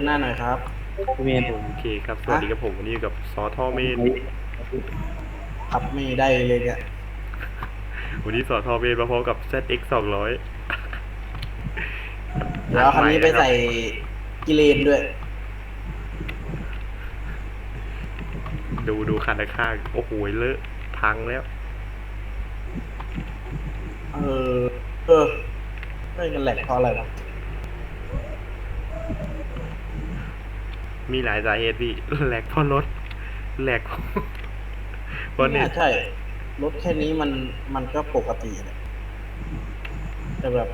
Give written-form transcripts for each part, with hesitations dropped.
หน้าหน่อยครับพี่เมนโอเคครับสวัฮะสดีครับผมวันนี้อยู่กับซอทอเมนขับไม่ได้เลยเนี่ยวันนี้ซอทอเมนมาพร้อมกับ ZX 200 เดี๋ยวอันใหเอาคันม่นะครับนี้ไปใส่กิเลนด้วยดูคันข้างโอ้โหเลอะพังแล้วเออเออไม่มันแหลกเพราะอะไรวะมีหลายสาเหตุพี่แหลกเพราะรถแหลกเพราะเน็ตไม่น่าใช่รถแค่นี้มันก็ปกติแหละแต่แบบ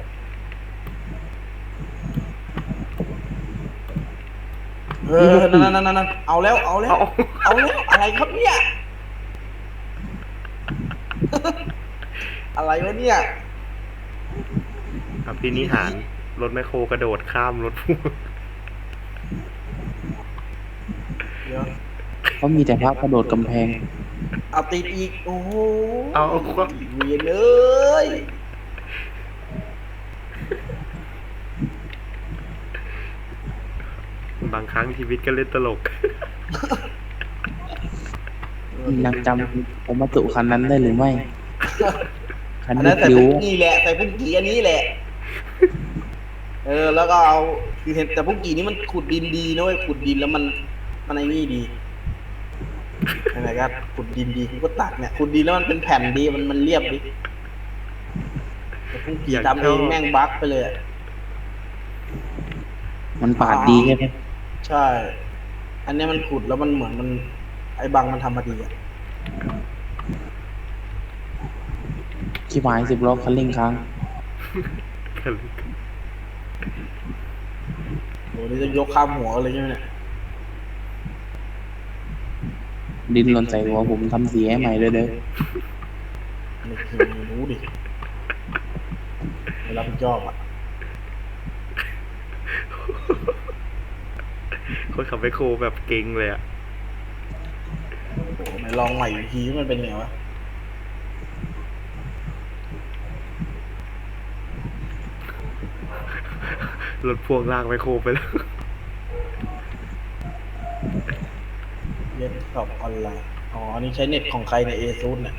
นั่นเอาแล้วเอาแล้วเอาเอาแล้วอะไรครับเนี่ยอะไรวะเนี่ยครับพี่นิหารรถแมคโครกระโดดข้ามรถพ่วงเดี๋ยวเขามีแต่พระกระโดดกำแพงเอาติดอีกโอ้โหเอาเวียนเลยบางครั้งชีวิตก็เล่นตลกยังจำผมมาตุคันนั้นได้หรือไม่ คันอันที่นั้นใส่คิ้วพุ่งกี้แหละใส่พุ่งกี้อันนี้แหละ แล้วก็เอาคือเห็นแต่พวกกีนี้มันขุดดินดีนะเว้ยขุดดินแล้วมันไอ้นี่ดีอะไรกันขุดดินดีกูก็ตักเนี่ยขุดดินแล้วมันเป็นแผ่นดีมันเรียบดีแต่พวกกีทำเองแม่งบั๊กไปเลยอะมันปาดดีใช่ไหมใช่ อันเนี้ยมันขุดแล้วมันเหมือนมันไอ้บังมันทำมาดีอ่ะชิบหาย10 ล้อคันเร่งค้างโหนี่จะยกข้ามหัวเลยใช่ไหมเนี่ยดินหล่นใส่หัวผมทำสีให้ใหม่เลยเด้อไม่เคยรู้ดิไม่รับผิดชอบอ่ะคนขับแมคโครแบบเก่งเลยอะโหไหนลองใหม่อีกทีมันเป็นไงวะรถพ่วงลากแมคโครไปแล้วเรียนสอบออนไลน์อ๋ออันนี้ใช้เน็ตของใครในเอซูเนี่ย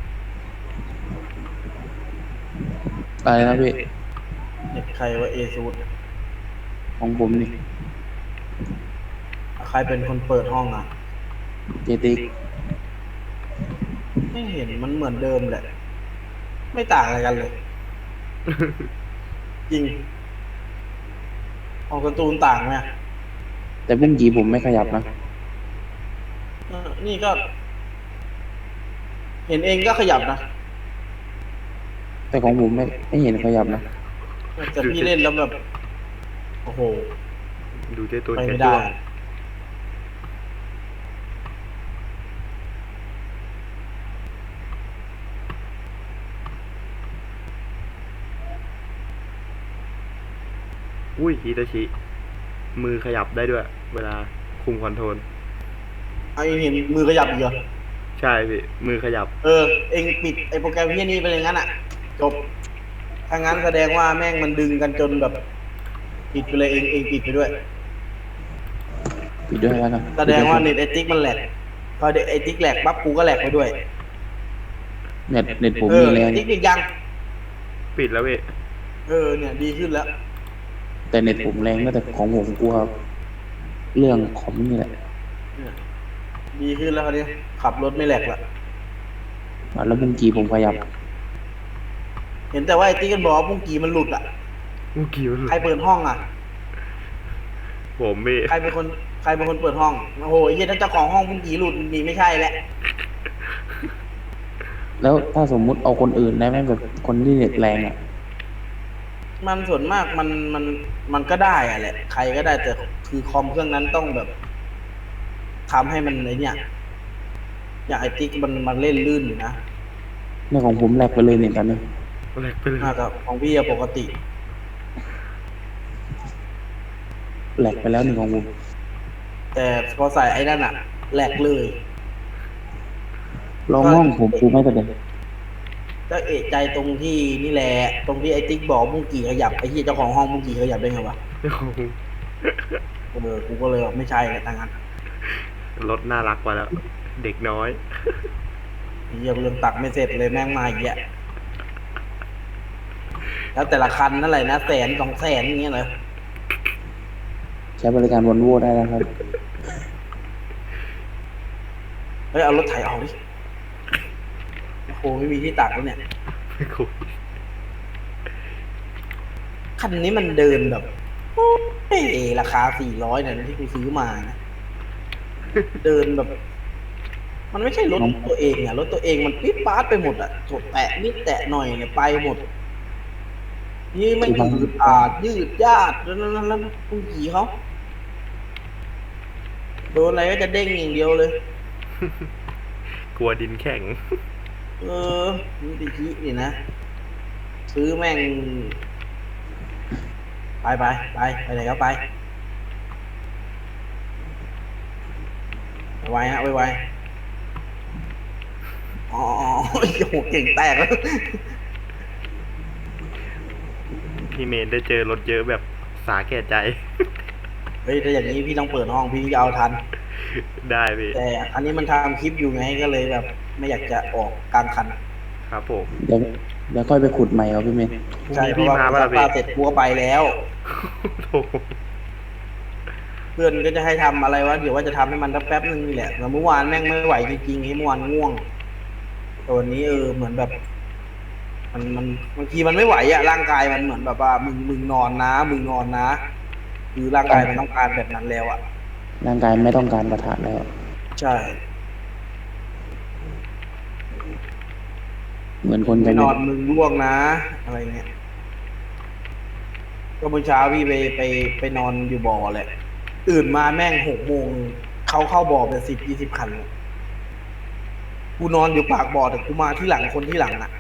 อะไรนะพี่เน็ตใครว่าเอซูของผมนี่ใครเป็นคนเปิดห้องอ่ะเจติกไม่เห็นมันเหมือนเดิมแหละ ไม่ต่างอะไรกันเลย จริงของการ์ตูนต่างไหมแต่บุ้งกีผมไม่ขยับนะนี่ก็ เห็นเองก็ขยับนะแต่ของผมไม่เห็นขยับนะแต่พี่เล่นแล้วแบบ โอ้โหดูเจ้ตัวไปแกไม่จ้ได้วงอุ้ยฮิตาชิมือขยับได้ด้วย เวลาคุมคอนโทรลเอาเองเห็นมือขยับอีกเหรอใช่พี่มือขยับเองปิดไอ้โปรแกรมที่นี้ไปเลยงั้นอ่ะ จบ ถ้างั้นแสดงว่าแม่งมันดึงกันจนแบบปิดไปเลยเองปิดไปด้วยปิดด้วยแล้วกันแสดงว่าเน็ตไอติ๊กมันแหลกพอเด็กไอติ๊กแหลกปั๊บกูก็แหลกไปด้วยเน็ตผมมีแรงติ๊กปิดยังปิดแล้วพี่เนี่ยดีขึ้นแล้วแต่เน็ตผมแรงนะแต่ของผมกลัวเรื่องคอมนี่แหละเนี่ยดีขึ้นแล้วคราวนี้ขับรถไม่แหลกละแล้วบุ้งกีผมขยับเห็นแต่ว่าไอติ๊กกันบอกว่าพุ่งกีมันหลุดอ่ะเมื่อกี้มันใครเปิดห้องอ่ะผมพี่ใครเป็นคนเปิดห้องโอ้โหไอ้เหี้ยถ้าเจ้าของห้องพุ่งกีหลุดนี่ไม่ใช่แล้วแล้วถ้าสมมุติเอาคนอื่นได้ไหมแบบคนที่เน็ตแรงอ่ะมันส่วนมากมันก็ได้อะแหละใครก็ได้แต่คือคอมเครื่องนั้นต้องแบบทำให้มันไอเนี่ยอย่างไอติ๊กมันเล่นลื่นอยู่นะในของผมแลกไปเลยเนี่ยตอนนี้แหลกไปเลยน่าจะของพี่อะปกติแลกไปแล้วหนึ่งของผมแต่พอใส่ไอ้นั่นอะแหลกเลยลองห้องผมดูไม่แต่เด็กก็เอะใจตรงที่นี่แหละตรงที่ไอติ๊กบอกมุ้งกี่ขยับไอ้ที่เจ้าของห้องมุ้งกี่ขยับได้ไงวะโอ้โหกูก็เลยบอกไม่ใช่เลยทางนั้นรถน่ารักกว่าแล้ว เด็กน้อยไอ้เหี้ยกูยังตักไม่เสร็จเลยแม่งมาอีกแยะแล้วแต่ละคันนั่นแหละนะ100,000 200,000อย่างเงี้ยเลยใช้บริการวอลโว่ได้แล้วครับเฮ้ยเอารถไถออกดิโอ้โหไม่มีที่ตักแล้วเนี่ยไม่คุยคันนี้มันเดินแบบโอ้ยราคา400เนี่ยที่กูซื้อมานะ เดินแบบ มันไม่ใช่รถตัวเองอะรถตัวเองมันปิ๊ดป๊าดไปหมดอะกดแตะนิดแตะหน่อยเนี่ยไปหมด นี่ไม่ยืดอาดยืดยาดแล้วกูขี่เขาโดนอะไรก็จะเด้งอย่างเดียวเลยกลัวดินแข็งนี่ติชินี่นะ ซื้อแม่ง ไปไหนก็ไปไวฮะไวอ๋อโอ้โหเก่งแตกแล้วพี่เมนได้เจอรถเยอะแบบสาแก่ใจเฮ้ยถ้าอย่างนี้พี่ต้องเปิดห้องพี่จะเอาทันได้พี่แต่อันนี้มันทำคลิปอยู่ไงก็เลยแบบ ไม่อยากจะออกกลางคันครับผมเดี๋ยวค่อยไปขุดใหม่เอาพี่เมย์พรุ่งใช่นี้เพพี่ราะว่ามากูป่ะซัล่ะกพี่ผ้าเสร็จกูก็ไปแล้วโถ่เพื่อนก็จะให้ทำอะไรวะเดี๋ยวว่าจะทำให้มันแป๊บนึงนี่แหละแต่เมื่อวานแม่งไม่ไหวจริงๆเมื่อวานง่วงแต่วันนี้เหมือนแบบ มันบางทีมันไม่ไหวอะร่างกายมันเหมือนแบบว่ามึงนอนนะคือร่างกายมันต้องการแบบนั้นแล้วอะร่างกายไม่ต้องการประทะแล้วใช่เหมือนคนจะไม่นอนมึงร่วงนะ อะไรเงี้ยก็เมื่อเช้าพี่ไปนอนอยู่บ่อแหละตื่นมาแม่ง6 โมงเข้าบ่อเป็น10-20 คันเลยกูนอนอยู่ปากบ่อแต่กูมาที่หลังคนที่หลังอะ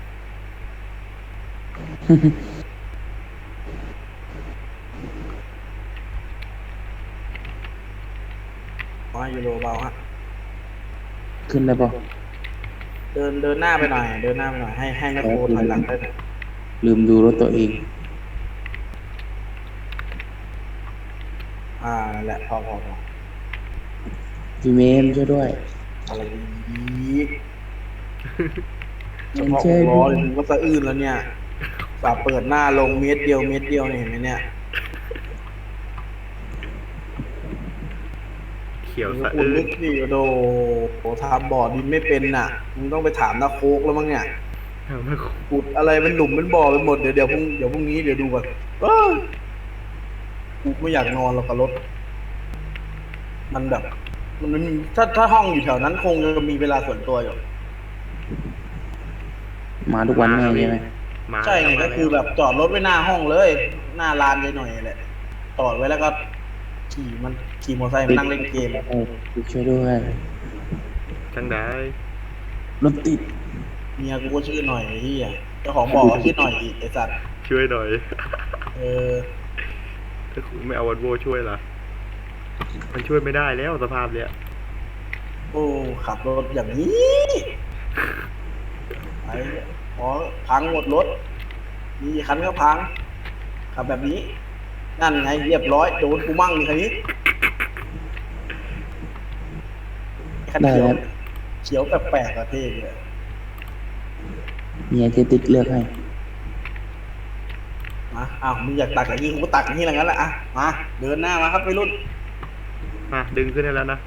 มาอยู่โรเบาฮะขึ้นได้ปะเดินหน้าไปหน่อย ให้แม่โคถอยหลังได้หน่อยลืมดูรถตัวเองนั่นแหละพอพี่เมมช่วยด้วยอะไรอีกเฉมันพาะช่วยล้ด้อวยเลยมึงก็สะอื้นแล้วเนี่ยฝาเปิดหน้าลงเม็ดเดียวเนี่ยเห็นไหมเนี่ยเขียวมึงสะคุณอื้นึนกดิโดทำบ่อดินไม่เป็นน่ะมึงต้องไปถามนาโคกแล้วมั้งเนี่ยไม่คุยขุดอะไรเป็นหลุมเป็นบ่อไปหมดเดี๋ยวพรุ่งนี้เดี๋ยวดูก่อนกูไม่อยากนอนหรอกกับรถ มันแบบ มันไม่มีถ้าห้องอยู่แถวนั้นคงจะมีเวลาส่วนตัวอยู่มาทุกวันแน่ใช่ไหมมาใช่ไงมาก็คือแบบจอดรถไว้หน้าห้องเลย หน้าลานเลยหน่อยแหละจอดไว้แล้วก็ขี่มอเตอร์ไซค์มานั่งเล่นเกมช่วยด้วยจังได้รถติดเมียกูก็ชื่อหน่อยไอ้เหี้ยเจ้าของบ่อก็ชื่อหน่อยอีกไอ้สัตว์ช่วยหน่อยเออถ้าคุณไม่เอาวันโวช่วยล่ะ มันช่วยไม่ได้แล้วสภาพเนี้ยโอ้ขับรถอย่างนี้ไอ้พอพังหมดรถมีคันก็พังขับแบบนี้ นั่นไงเรียบร้อยโดนกูมั่งนี่คันนี้คันได้เขียวแล้วเขียวแปลกๆอะเท่เลยเมียเจติ๊กเลือกให้มาอ้าวมึงอยากตักอย่างนี้กูก็ตักอย่างนี้แล้วงั้นแหละอ่ะมาเดินหน้ามาครับไปรุ่นมาดึงขึ้นได้แล้วนะ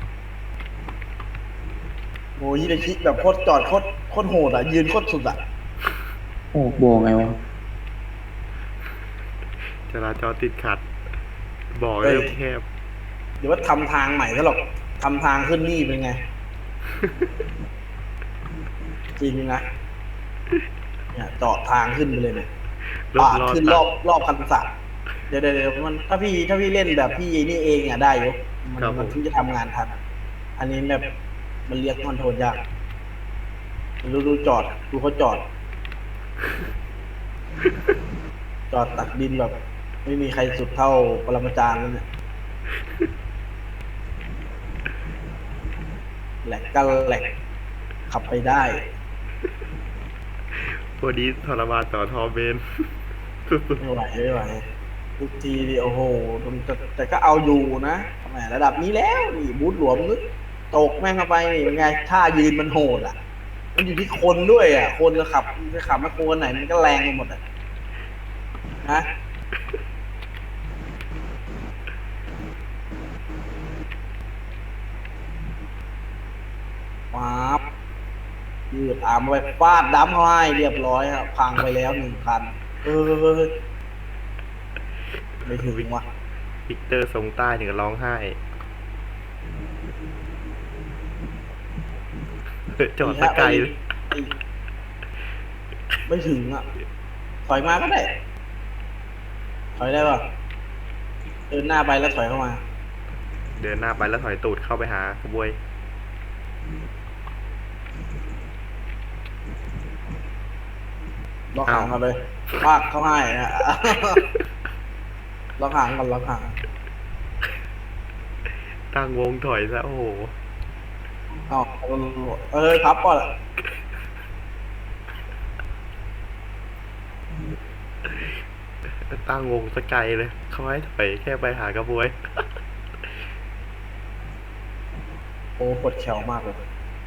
โอ้ยฮิเดชิแบบโคตรจอดโคตรโหดอ่ะยืนโคตรสุดอ่ะโอ้บอกไงวะจราจรติดขัด บอกเริ่มแคบเดี๋ยวว่าทำทางใหม่ซะหรอกทำทางขึ้นนี่เป็นไง จริงนะเนี่ยเจาะทางขึ้นไปเลยเนี่ยรถปาดรอดขึ้นรอบคันสัตว์เดี๋ยวมันถ้าพี่เล่นแบบพี่นี่เองอ่ะได้อยู่มันถึงจะทำงานทันอันนี้แบบมันเรียกคอนโทรลยากดูจอดดูเขาจอด จอดตักดินแบบ ไม่มีใครสุดเท่าปรมาจารย์แล้วเนี่ยแหลกก็แหลกขับไปได้พอดีทรมานต่อทอเบน สุดไม่ไหวทุกทีดิโอ้โหแต่ก็เอาอยู่นะแหมระดับนี้แล้วนี่บูทหลวมนึกตกแม่งเข้าไปนี่เป็นไงท่ายืนมันโหดอ่ะมันอยู่ที่คนด้วยอ่ะคนจะขับมาโคนไหนมันก็แรงไปหมดอ่ะนะป๊าบยืดอาร์มไปฟาดดั้มเขาให้เรียบร้อยครับพังไปแล้ว1 คันเออไม่ถึงว่ะวิกเตอร์ทรงใต้ถึงกับร้องไห้จอดตะไกลเลยอีกไม่ถึงอ่ะถอยมาก็ได้ถอยได้ป่ะเดินหน้าไปแล้วถอยเข้ามาเดินหน้าไปแล้วถอยตูดเข้าไปหาขบวยล็อกหางกันเลยปากเข้าให้นะ ล็อกหางกันล็อกหางตั้งวงถอยซะโอ้โหอ๋อพับก่อนตั้งวงสกไกลเลยเขาให้ถอยแค่ไปหากระบวยโอ้ปวดแขวมากเลย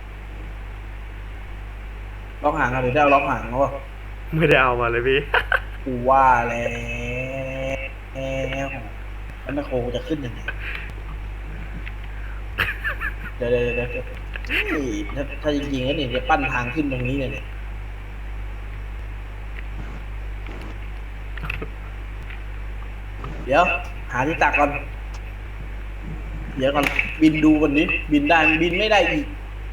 ล็อกหางกันหรือได้เอาล็อกหางเขาป่ะไม่ได้เอามาเลยพี่กูว่าแล้วแม่โคกูจะขึ้นยังไงเดี๋ยวนี่ถ้าจริงๆแล้วเนี่ยจะปั้นทางขึ้นตรงนี้เลยเนี่ยเดี๋ยวหาที่ตักก่อนเดี๋ยวก่อนบินดูก่อนนี้บินได้บินไม่ได้อีก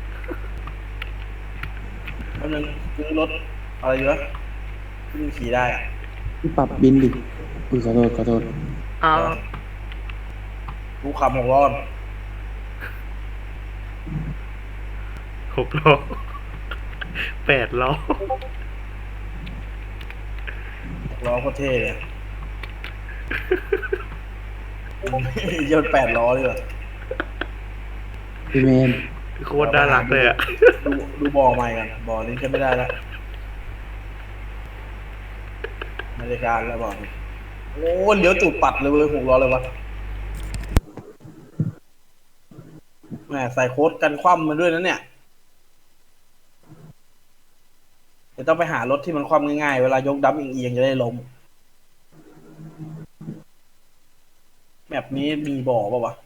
เพราะนั้นซื้อรถอะไรอยู่วะที่มันขี่ได้อะพี่ปรับบินดิอุ้ยขอโทษเอากูขับ6 ล้อ 6 ล้อ 8 ล้อ 6 ล้อโคตรเท่เลย ยนต์8 ล้อเลยว่ะพี่เมนโคตรน่ารักเลยอ่ะดูบ่อใหม่กันบ่อนี้ใช้ไม่ได้แล้วนาฬิกาแล้วบ่อนี้โอ้เลี้ยวตูดปัดเลยเว้ย6 ล้อเลยวะแหมใส่โค้ดกันคว่ำมาด้วยนะเนี่ยเดี๋ยวต้องไปหารถที่มันคว่ำง่ายๆเวลายกดัมเอียงๆจะได้ล้มแบบนี้มีบ่อป่าวะ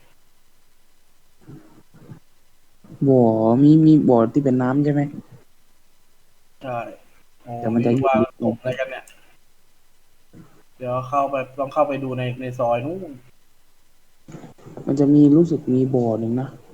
บ่อมีบ่อที่เป็นน้ำใช่ไหมใช่โอ้เดี๋ยวมันจะว่าตกอะไรกันเนี่ย เดี๋ยวต้องเข้าไปดูในซอยนู้นมันจะมีรู้สึกมีบ่อหนึ่งนะ